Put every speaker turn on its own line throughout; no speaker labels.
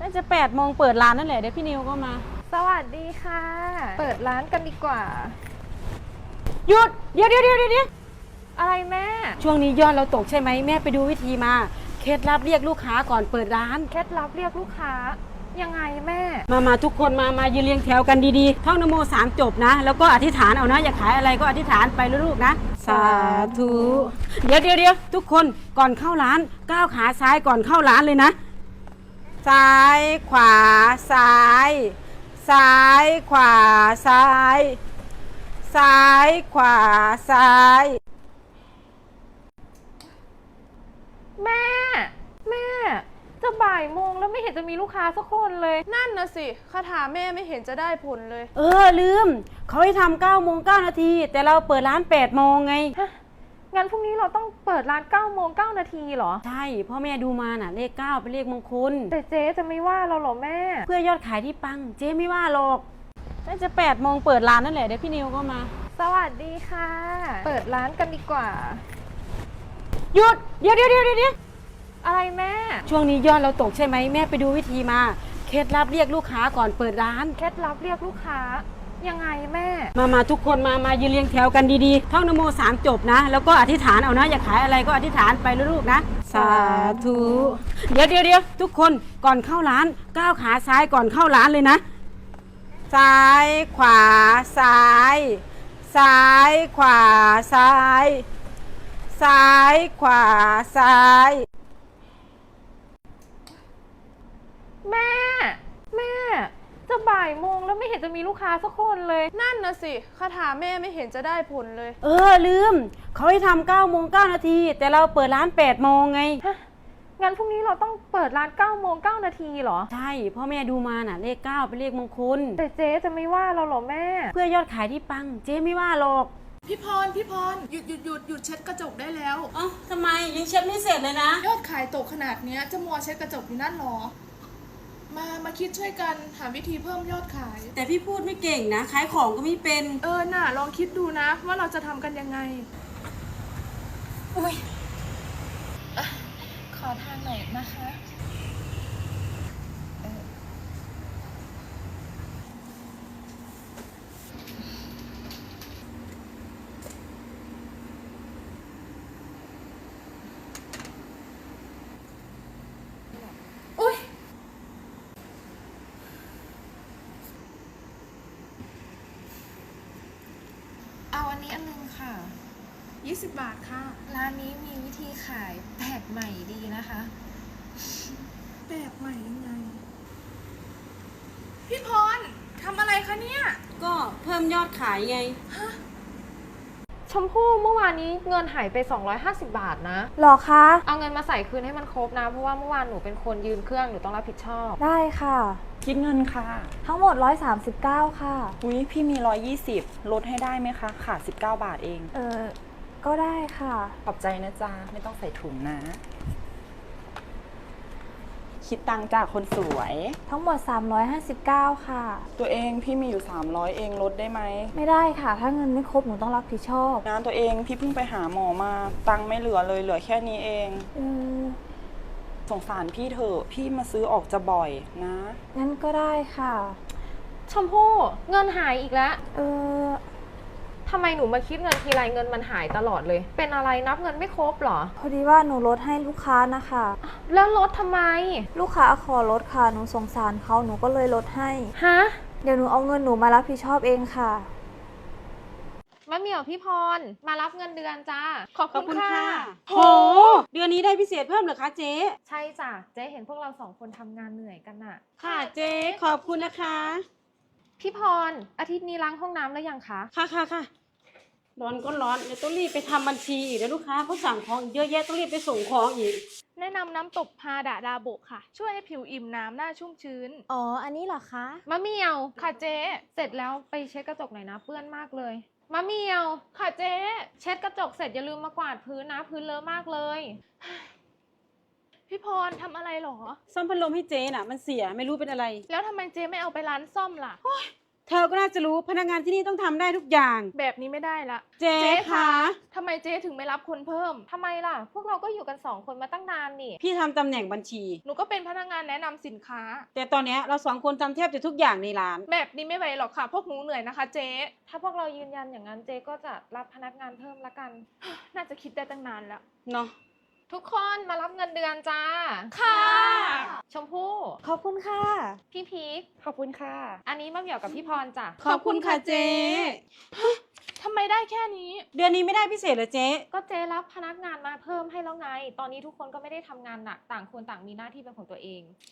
าจะ8 โมงเปิดร้านนั่นแหละเดี๋ยวพี่นิวก็มา
สวัสดีค่ะ เปิดร้านกันดีกว่า
หยุดเดี๋ยว
อะไรแม่
ช่วงนี้ยอดเราตกใช่ไหมแม่ไปดูวิธีมาเคล็ดลับเรียกลูกค้าก่อนเปิดร้าน
เคล็ดลับเรียกลูกค้ายังไงแม่
มาทุกคนมายืนเรียงแถวกันดีๆท่องนโม3 จบนะแล้วก็อธิษฐานเอานะอยากขายอะไรก็อธิษฐานไปลูกๆนะสาธุเดี๋ยวทุกคนก่อนเข้าร้านก้าวขาซ้ายก่อนเข้าร้านเลยนะซ้ายขวาซ้ายซ้ายขวาซ้ายซ้ายขวาซ้าย
แม่จะบ่ายโมงแล้วไม่เห็นจะมีลูกค้าสักคนเลย
นั่นนะสิคาถาแม่ไม่เห็นจะได้ผลเลย
ลืมเขาให้ทำ9 โมง 9 นาทีแต่เราเปิดร้าน8 โมงไง
งั้นพรุ่งนี้เราต้องเปิดร้าน9 โมง 9 นาทีเหรอ
ใช่พ่อแม่ดูมาน่ะเลข9เป็นเลขมงคล
แต่เจ๊จะไม่ว่าเราหรอแม่
เพื่อยอดขายที่ปังเจ๊ไม่ว่าหรอกน่าจะ8 โมงเปิดร้านนั่นแหละเดี๋ยวพี่นิวก็มา
สวัสดีค่ะเปิดร้านกันดีกว่า
หยุดเดี๋ยว
อะไรแม่
ช่วงนี้ยอดเราตกใช่ไหมแม่ไปดูวิธีมาเคล็ดลับเรียกลูกค้าก่อนเปิดร้าน
เคล็ดลับเรียกลูกค้ายังไงแม่
มาทุกคนมายืนเรียงแถวกันดีๆท่องนโม3 จบนะแล้วก็อธิษฐานเอานะอยากขายอะไรก็อธิษฐานไปลูกๆนะสาธุเดี๋ยวทุกคนก่อนเข้าร้านก้าวขาซ้ายก่อนเข้าร้านเลยนะซ้ายขวาซ้ายซ้ายขวาซ้ายซ้ายขวาซ้าย
แม่จะบ่ายโมงแล้วไม่เห็นจะมีลูกค้าสักคนเลย
นั่นนะสิคาถาแม่ไม่เห็นจะได้ผลเลย
ลืมเขาให้ทำ9 โมง 9 นาทีแต่เราเปิดร้าน8 โมงไง
งั้นพรุ่งนี้เราต้องเปิดร้าน9 โมง 9 นาทีเหรอ
ใช่พ่อแม่ดูมาน่ะเลข9เป็นเลขมงคล
แต่เจ๊จะไม่ว่าเราหรอแม่
เพื่อยอดขายที่ปังเจ๊ไม่ว่าหรอก
พี่พรหยุดเช็ดกระจกได้แล้ว
ทำไมยังเช็ดไม่เสร็จเลยนะ
ยอดขายตกขนาดนี้จะมัวเช็ดกระจกอยู่นั่นหรอมาคิดช่วยกันหาวิธีเพิ่มยอดขาย
แต่พี่พูดไม่เก่งนะขายของก็ไม่เป็น
น่ะลองคิดดูนะว่าเราจะทำกันยังไง
อุ้ยขอทางหน่อยนะคะเอาอันนี้อันนึงค่ะ
20 บาทค่ะ
ร้านนี้มีวิธีขายแปลกใหม่ดีนะคะ
แปลกใหม่ยังไงพี่พรทำอะไรคะเนี่ย
ก็เพิ่มยอดขายไง
ชมพู่เมื่อวานนี้เงินหายไป250 บาทนะ
หรอคะ
เอาเงินมาใส่คืนให้มันครบนะเพราะว่าเมื่อวานหนูเป็นคนยืนเครื่องหนูต้องรับผิดชอบ
ได้ค่ะ
คิดเงินค่ะ
ทั้งหมด139ค่ะ
อุ๊ยพี่มี120ลดให้ได้ไหมคะขาด19 บาทเอง
ก็ได้ค่ะ
ขอบใจนะจ๊ะไม่ต้องใส่ถุงนะคิดตังค์จากคนสวย
ทั้งหมด359ค่ะ
ตัวเองพี่มีอยู่300เองลดได้ไหม
ไม่ได้ค่ะถ้าเงินไม่ครบหนูต้องรับผิดชอบ
งานตัวเองพี่เพิ่งไปหาหมอมาตังค์ไม่เหลือเลยเหลือแค่นี้เองสงสารพี่เถอะพี่มาซื้อออกจะบ่อยนะ
งั้นก็ได้ค่ะ
ชมพู่เงินหายอีกแล้วทำไมหนูมาคิดเงินทีไรเงินมันหายตลอดเลยเป็นอะไรนับเงินไม่ครบหรอ
พอดีว่าหนูลดให้ลูกค้านะคะ
แล้วลดทำไม
ลูกค้าขอลดค่ะหนูสงสารเขาหนูก็เลยลดให้เดี๋ยวหนูเอาเงินหนูมารับผิดชอบเองค่ะ
มะเหมี่ยวพี่พรมารับเงินเดือนจ้าขอบคุณค่ะ
โหเดือนนี้ได้พิเศษเพิ่มเหรอคะเจ๊
ใช่จ้ะเจ๊เห็นพวกเรา2 คนทำงานเหนื่อยกันน่ะ
ค่ะเจ๊ขอบคุณนะคะ
พี่พรอาทิตย์นี้ล้างห้องน้ำแล้วยังคะ
ค่ะร้อนก็ร้อนเดี๋ยวต้องรีบไปทำบัญชีอีกแล้วลูกค้าเขาสั่งของเยอะแยะต้องรีบไปส่งของอีก
แนะนำน้ำตบพาดาดาโบะค่ะช่วยให้ผิวอิ่มน้ำหน้าชุ่มชื้น
อันนี้เหรอคะ
มะเหมี่ยวค่ะเจ๊เสร็จแล้วไปเช็ดกระจกหน่อยนะเปื้อนมากเลยมะเหมี่ยวค่ะเจ๊เช็ดกระจกเสร็จอย่าลืมมากวาดพื้นนะพื้นเลอะมากเลย
พี่พรทำอะไรหรอ
ซ่อมพัดลมให้เจ๊น่ะมันเสียไม่รู้เป็นอะไร
แล้วทำไมเจ๊ไม่เอาไปร้านซ่อมล่ะ
เธอก็น่าจะรู้พนักงานที่นี่ต้องทำได้ทุกอย่าง
แบบนี้ไม่ได้ละ
เจ๊คะ
ทำไมเจ๊ถึงไม่รับคนเพิ่ม
ทำไมล่ะ พวกเราก็อยู่กัน2 คนมาตั้งนานนี่
พี่ทำตำแหน่งบัญชี
หนูก็เป็นพนักงานแนะนำสินค้า
แต่ตอนเนี้ยเรา2 คนทำแทบจะทุกอย่างในร้าน
แบบนี้ไม่ไหวหรอกค่ะ พวกหนูเหนื่อยนะคะเจ๊
ถ้าพวกเรายืนยันอย่างนั้นเจ๊ก็จะรับพนักงานเพิ่มละกัน
น่าจะคิดได้ตั้งนานแล้ว
เนาะ
ทุกคนมารับเงินเดือนจ้า
ค่ะ
ชมพู่
ขอบคุณค่ะ
พี่พีค
ขอบคุณค่ะ
อันนี้มะเหมี่ยวกับพี่พรจ้ะ
ขอบคุณค่ะเจ๊
ทำไมได้แค่นี้
เดือนนี้ไม่ได้พิเศษเหรอเจ๊
ก็เจ๊รับพนักงานมาเพิ่มให้แล้วไง ตอนนี้ทุกคนก็ไม่ได้ทำงานหนัก ต่างคนต่างมีหน้าที่เป็นของตัวเอง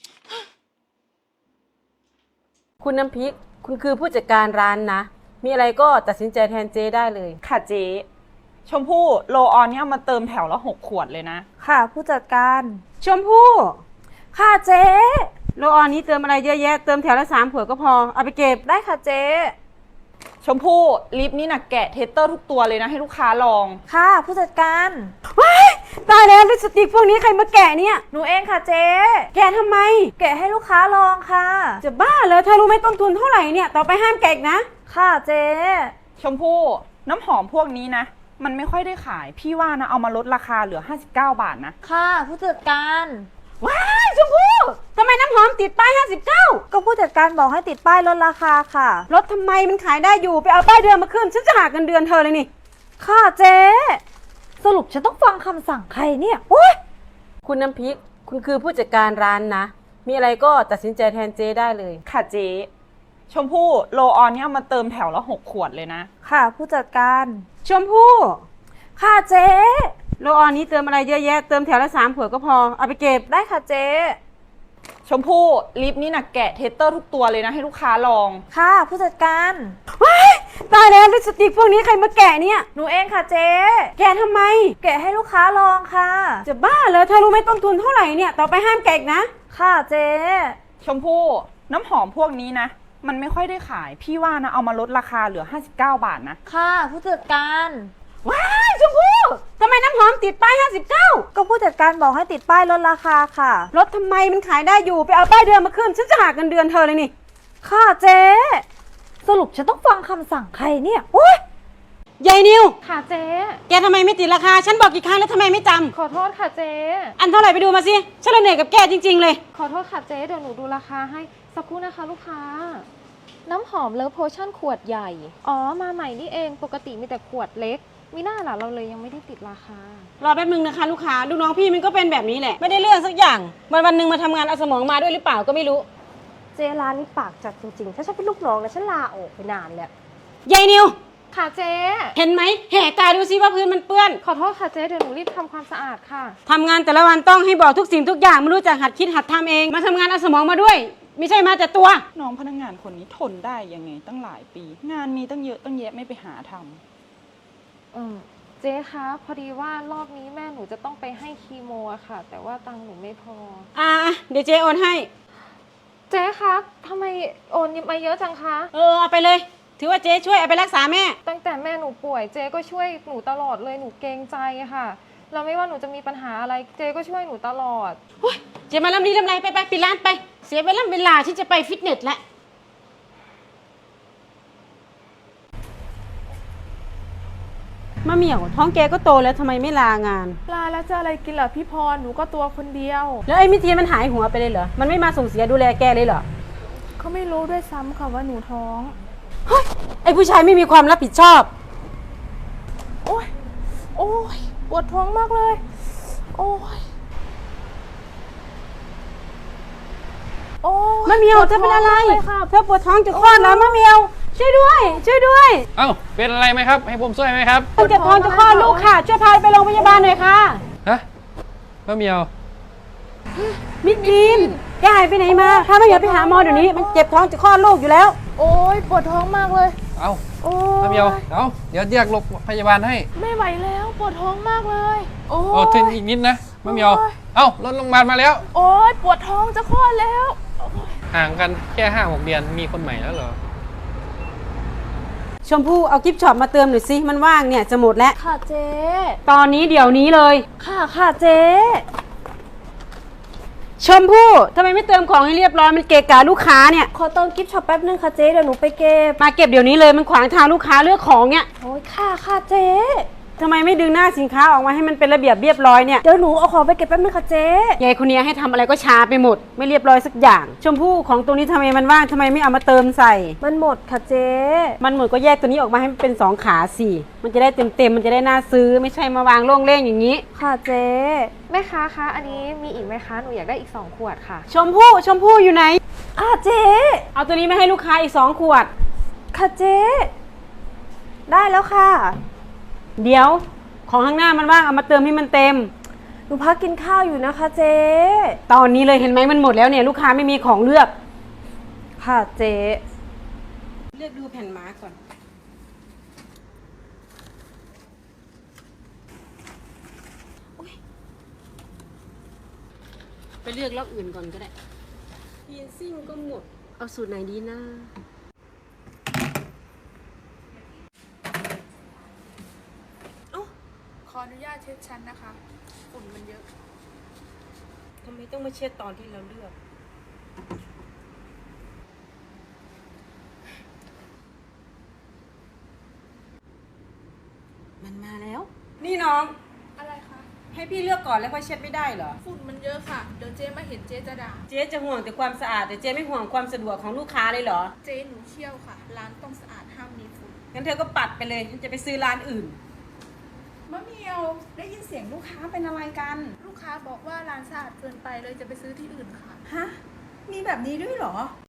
คุณน้ำพริก คุณคือผู้จัดการร้านนะ มีอะไรก็ตัดสินใจแทนเจ๊ได้เลย
ค่ะเจ๊ชมพู่โลออนเนี่ยมาเติมแถวละ6 ขวดเลยนะ
ค่ะผู้จัดการ
ชมพู่
ค่ะเจ๊
โลออนนี้เติมอะไรเยอะแยะ เติมแถวละ3 ขวดก็พอ เอาไปเก็บ
ได้ค่ะเจ๊
ชมพู่ลิปนี่นะแกะเทสเตอร์ทุกตัวเลยนะให้ลูกค้าลอง
ค่ะผู้จัดการ
ตายแล้วลิปสติกพวกนี้ใครมาแกะเนี่ย
หนูเองค่ะเจ๊
แกะทำไม
แกะให้ลูกค้าลองค่ะ
จะบ้าเหรอเธอรู้ไหมต้นทุนเท่าไหร่เนี่ย ต่อไปห้ามแกะอีกนะ
ค่ะเจ๊
ชมพู่น้ำหอมพวกนี้นะ มันไม่ค่อยได้ขาย พี่ว่านะเอามาลดราคาเหลือ59 บาทนะ
ค่ะผู้จัดการ
ว้ายชมพู่ทำไมน้ำหอมติดป้าย59
ก็ผู้จัดการบอกให้ติดป้ายลดราคาค่ะ
ลดทำไมมันขายได้อยู่ ไปเอาป้ายเดือนมาขึ้น ฉันจะหักเงินเดือนเธอเลยนี่
ค่ะเจ๊สรุปฉันต้องฟังคำสั่งใครเนี่ยโอ๊ย
คุณน้ำพริก คุณคือผู้จัดการร้านนะ มีอะไรก็ตัดสินใจแทนเจ๊ได้เลย
ค่ะเจ๊ชมพู่โลออนเนี่ยมาเติมแถวละ6 ขวดเลยนะ
ค่ะผู้จัดการ
ชมพู่
ค่ะเจ๊
โลออนนี้เติมอะไรเยอะแยะ เติมแถวละ3 ขวดก็พอ เอาไปเก็บ
ได้ค่ะเจ๊
ชมพู่ลิปนี่นะแกะเทสเตอร์ทุกตัวเลยนะให้ลูกค้าลอง
ค่ะผู้จัดการ
ว้ายตายแล้วลิปสติกพวกนี้ใครมาแกะเนี่ย
หนูเองค่ะเจ๊
แกะทำไม
แกะให้ลูกค้าลองค่ะ
จะบ้าเหรอเธอรู้ไหมต้นทุนเท่าไหร่เนี่ย ต่อไปห้ามแกะอีกนะ
ค่ะเจ๊
ชมพู่น้ำหอมพวกนี้นะ มันไม่ค่อยได้ขาย พี่ว่านะเอามาลดราคาเหลือ59 บาทนะ
ค่ะผู้จัดการ
ว้ายชมพู่ทำไมน้ำหอมติดป้าย59
ก็ผู้จัดการบอกให้ติดป้ายลดราคาค่ะ
ลดทำไมมันขายได้อยู่ ไปเอาป้ายเดือนมาขึ้น ฉันจะหักเงินเดือนเธอเลยนี่
ค่ะเจ๊สรุปฉันต้องฟังคำสั่งใครเนี่ยโอ๊ย
ยายนิว
ค่ะเจ๊
แกทำไมไม่ติดราคา ฉันบอกกี่ครั้งแล้วทำไมไม่จำ
ขอโทษค่ะเจ๊
อันเท่าไหร่ไปดูมาสิ ฉันเลยเหนื่อยกับแกจริงๆเลย
ขอโทษค่ะเจ๊ เดี๋ยวหนูดูราคาให้ สักครู่นะคะลูกค้า น้ำหอมเลิฟโพชั่นขวดใหญ่ อ๋อ มาใหม่นี่เอง ปกติมีแต่ขวดเล็ก มีหน้าล่ะเราเลยยังไม่ได้ติดราคา
รอแป๊บนึงนะคะลูกค้าลูกน้องพี่มันก็เป็นแบบนี้แหละ ไม่ได้เรื่องสักอย่าง วันๆหนึ่งมาทำงานเอาสมองมาด้วยหรือเปล่าก็ไม่รู้
เจร้านนี้ปากจัดจริงๆ ถ้าฉันเป็นลูกน้องนะฉันลาออกไปนานแล้ว
ยายนิว
ค่ะเจ๊
เห็นไหมแหกตาดูซิว่าพื้นมันเปื้อน
ขอโทษค่ะเจ๊ เดี๋ยวหนูรีบทำความสะอาดค่ะ
ทำงานแต่ละวันต้องให้บอกทุกสิ่งทุกอย่างไม่รู้จักหัดคิดหัดทำเอง มาทำงานเอาสมองมาด้วย ไม่ใช่มาแต่ตัว
น้องพนักงานคนนี้ทนได้ยังไงตั้งหลายปี งานมีตั้งเยอะตั้งแยะไม่ไปหาทำ
เจ๊คะ พอดีว่ารอบนี้แม่หนูจะต้องไปให้คีโมอะค่ะ แต่ว่าตังค์หนูไม่พอ
เดี๋ยวเจ๊โอนให้
เจ๊คะทำไมโอนมาเยอะจังคะ
เอาไปเลย ถือว่าเจ๊ช่วยเอาไปรักษาแม่
ตั้งแต่แม่หนูป่วยเจ๊ก็ช่วยหนูตลอดเลยหนูเกรงใจอะค่ะเราไม่ว่าหนูจะมีปัญหาอะไรเจ๊ก็ช่วยหนูตลอด
เจ๊มาลำนี้ลำไรไปปิดร้านไป เสียเวลาที่จะไปฟิตเนสแล้วมะเหมี่ยวท้องแกก็โตแล้วทำไมไม่ลางาน
ลาแล้วจะอะไรกินล่ะพี่พร หนูก็ตัวคนเดียว
แล้วไอ้มิทีนมันหายหัวไปเลยเหรอ มันไม่มาส่งเสียดูแลแกเลยเหรอ
เขาไม่รู้ด้วยซ้ำค่ะว่าหนูท้อง
ไอ้ผู้ชายไม่มีความรับผิดชอบ
โอ้ย โอ้ย ปวดท้องมากเลย โอ้ย โอ้ย
มะเหมียวเธอเป็นอะไร
ปวดท้งมากเลยค่ะ
เธอปวดท้องจะคลอดแล้วมะเหมียว ช่วยด้วย ช่วยด้วย
เอ้า เป็นอะไรไหมครับ ให้ผมช่วยไหมครับ
เจ็บท้องจะคลอดลูกค่ะ ช่วยพาไปโรงพยาบาลหน่อยค่ะ
ฮะมะเหมียว
มิทีนแกหายไปไหนมา ถ้าไม่เหมียวไปหาหมอเดี๋ยวนี้ มันเจ็บท้องจะคลอดลูกอยู่แล้ว
โอ้ย ปวดท้องมากเลย
เอ้า
โอ้
มะเหมียว เอ้า เดี๋ยวเรียกโรงพยาบาลให้
ไม่ไหวแล้ว ปวดท้องมากเลย โอ้
โอ้ทึน
ย
อีกนิดนะมะเหมียว
โอ้ย
เอ้ารถโรงพยาบาลมาแล้ว
โอ้ย ปวดท้องจะคลอดแล้ว
ห่างกันแค่5-6 เดือน มีคนใหม่แล้วเหรอ
ชมพู่เอากิฟต์ช็อปมาเติมหน่อยสิ มันว่างเนี่ยจะหมดแล้ว
ค่ะเจ๊
ตอนนี้เดี๋ยวนี้เลย
ค่ะเจ๊
ชมพู่ทำไมไม่เติมของให้เรียบร้อยมันเกะกะลูกค้าเนี่ย
ขอเติมกิฟต์ช็อปแป๊บนึงค่ะเจ๊เดี๋ยวหนูไปเก็บ
มาเก็บเดี๋ยวนี้เลยมันขวางทางลูกค้าเลือกของเนี่ย
โอ้ยค่ะเจ๊
ทำไมไม่ดึงหน้าสินค้าออกมาให้มันเป็นระเบียบเรียบร้อยเนี่ย
เดี๋ยวหนูเอาของไปเก็บแป๊บนึงค่ะเจ๊
ยายคนนี้ให้ทำอะไรก็ช้าไปหมด ไม่เรียบร้อยสักอย่าง ชมพู่ของตรงนี้ทำไมมันว่างทำไมไม่เอามาเติมใส่
มันหมดค่ะเจ๊
มันหมดก็แยกตัวนี้ออกมาให้มันเป็น2ขาสิมันจะได้เต็มมันจะได้น่าซื้อไม่ใช่มาวางโล่งเล่งอย่างนี้
ค่ะเจ๊
แม่ค้าคะอันนี้มีอีกไหมคะหนูอยากได้อีก2ขวดค่ะ
ชมพู่อยู่ไหน
เจ๊
เอาตัวนี้มาให้ลูกค้าอีก2ขวด
ค่ะเจ๊ได้แล้วค่ะ
เดี๋ยวของข้างหน้ามันว่างเอามาเติมให้มันเต็ม
หนูพักกินข้าวอยู่นะคะเจ๊
ตอนนี้เลยเห็นไหมมันหมดแล้วเนี่ยลูกค้าไม่มีของเลือก
ค่ะเจ๊
เลือกดูแผ่นมาร์กก่อนไปเลือกล็อกอื่นก่อนก็ได้เพียนซิ่งก็หมดเอาสูตรไหนดีนะ
ขออนุญาตเช็ดชั้นนะคะ ฝุ่นมันเยอะ
ทำไมต้องมาเช็ดตอนที่เราเลือก มันมาแล้ว นี่น้อง
อะไรคะ
ให้พี่เลือกก่อนแล้วค่อยเช็ดไม่ได้เหรอ
ฝุ่นมันเยอะค่ะ เดี๋ยวเจ๊มาเห็นเจ๊จะด่า
เจ๊จะห่วงแต่ความสะอาดแต่เจ๊ไม่ห่วงความสะดวกของลูกค้าเลยเหรอ
เจ๊หนูเชี่ยวค่ะ ร้านต้องสะอาดห้ามมีฝุ่น
งั้นเธอก็ปัดไปเลยฉันจะไปซื้อร้านอื่น
มะเมียวได้ยินเสียงลูกค้าเป็นอะไรกัน
ลูกค้าบอกว่าร้านสะอาดเกินไปเลยจะไปซื้อที่อื่นค่ะ
ฮะ มีแบบนี้ด้วยเหรอ